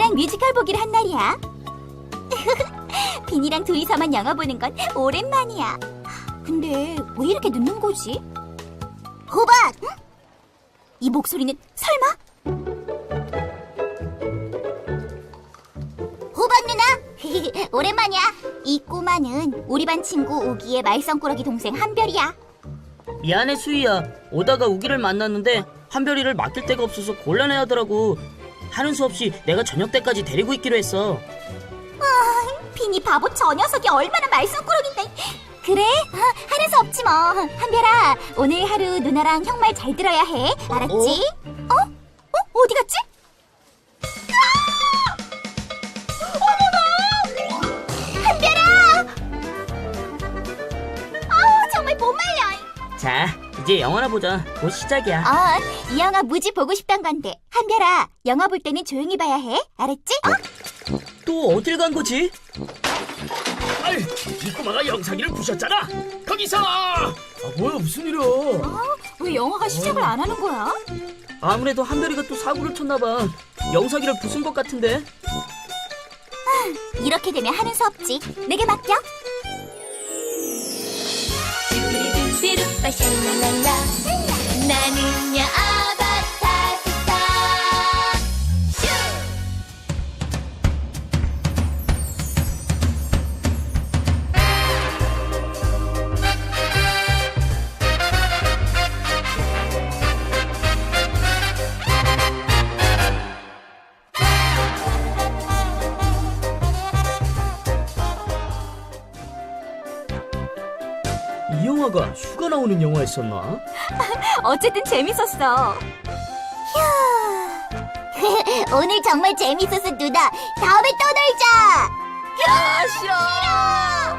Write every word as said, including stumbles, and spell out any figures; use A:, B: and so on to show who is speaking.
A: 비니랑 뮤지컬 보기로 한 날이야. 비니랑 둘이서만 영화 보는 건 오랜만이야. 근데 왜 이렇게 늦는 거지? 호박! 응? 이 목소리는 설마? 호박 누나! 오랜만이야. 이 꼬마는 우리 반 친구 우기의 말썽꾸러기 동생 한별이야.
B: 미안해 수희야. 오다가 우기를 만났는데 한별이를 맡길 데가 없어서 곤란해하더라고. 하는 수 없이 내가 저녁 때까지 데리고 있기로 했어.
A: 아, 비니 바보 저 녀석이 얼마나 말썽꾸러기인데. 그래? 아, 하는 수 없지 뭐. 한별아, 오늘 하루 누나랑 형 말 잘 들어야 해. 알았지? 어? 어? 어디 갔지? 아! 어머나! 한별아! 아우, 정말 못 말려.
B: 자, 이제 영화나 보자. 곧 시작이야.
A: 어, 이 영화 무지 보고 싶단 건데. 한별아, 영화 볼 때는 조용히 봐야 해. 알았지? 어?
B: 또 어딜 간 거지?
C: 아이, 이 꼬마가 영상기를 부셨잖아. 거기서. 아, 뭐야, 무슨 일이야?
A: 어? 왜 영화가 시작을 안 하는 거야?
B: 아무래도 한별이가 또 사고를 쳤나 봐. 영상기를 부순 것 같은데.
A: 이렇게 되면 하는 수 없지. 내게 맡겨.
D: 뚜루뚜루빠 샬랄랄라 나는야 아바타 스타 슈
C: 이 영화가 휴가 나오는 영화였었나?
A: 어쨌든 재밌었어. 휴. 오늘 정말 재밌었어, 누나. 다음에 또 놀자. 야, 싫어.